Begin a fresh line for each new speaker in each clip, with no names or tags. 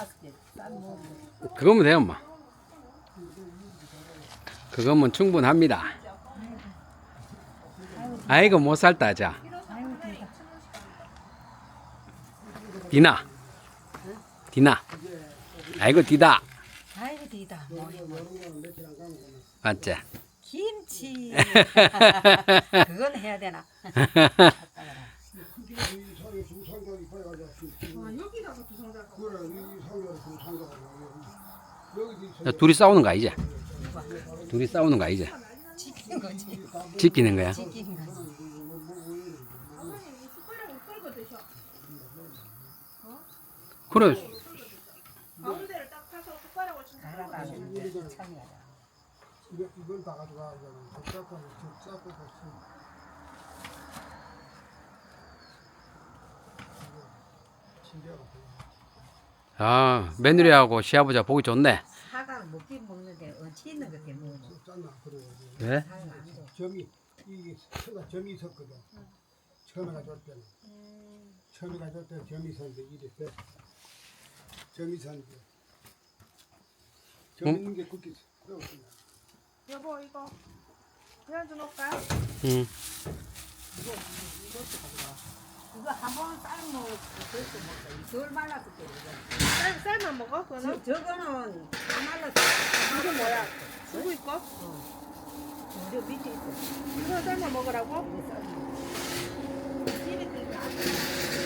5개 싼 먹으면
그거면 돼요, 엄마. 그거면 충분합니다. 아이고, 못 살다, 자.
아이고 되다.
디나. 디나. 아이고, 디다.
아이고 되다.
맞지?
김치. 그건 해야 되나?
야, 둘이 싸우는 거 아니지? 둘이 싸우는 거 아니지?
지키는 거지.
지키는 거야?
지키는 거지.
그래.
가운데를 딱 파서 숟가락을 좀
잘하다. 참여하다.
이걸 다 가져가.
아, 며느리하고 시아버지가 보기 좋네.
사과는 먹긴 먹는데 어찌 있는 것 때문에 먹어.
왜?
사과 안 돼.
점이 이게 점이 있었거든. 처음에 가져올 때는 처음에 가져올 때 점이 있었는데 이래 점이 있었는데 점 있는 게 그렇게 어렵구나.
여보 이거 그냥 좀 넣을까요?
응.
이거 한번 삶으면 그렇게 먹어. 덜 말랐을 때 이거.
쌀만 먹어? 그거는?
저거는 안 말랐어.
이게 뭐야? 누구 있고?
저 밑에 있어.
이거 쌀만 먹으라고?
집에 그렇게 안 돼.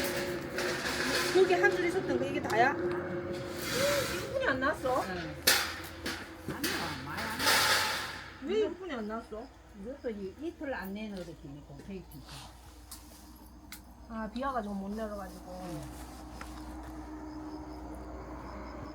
거기 한 줄 있었던 거 이게 다야? 1분이 안 났어?
안 나와. 많이 안 나와.
왜 1분이 안 났어?
이것도 이틀 안 내놓으랬더니 공평히
아 비 와가지고 못 내려가지고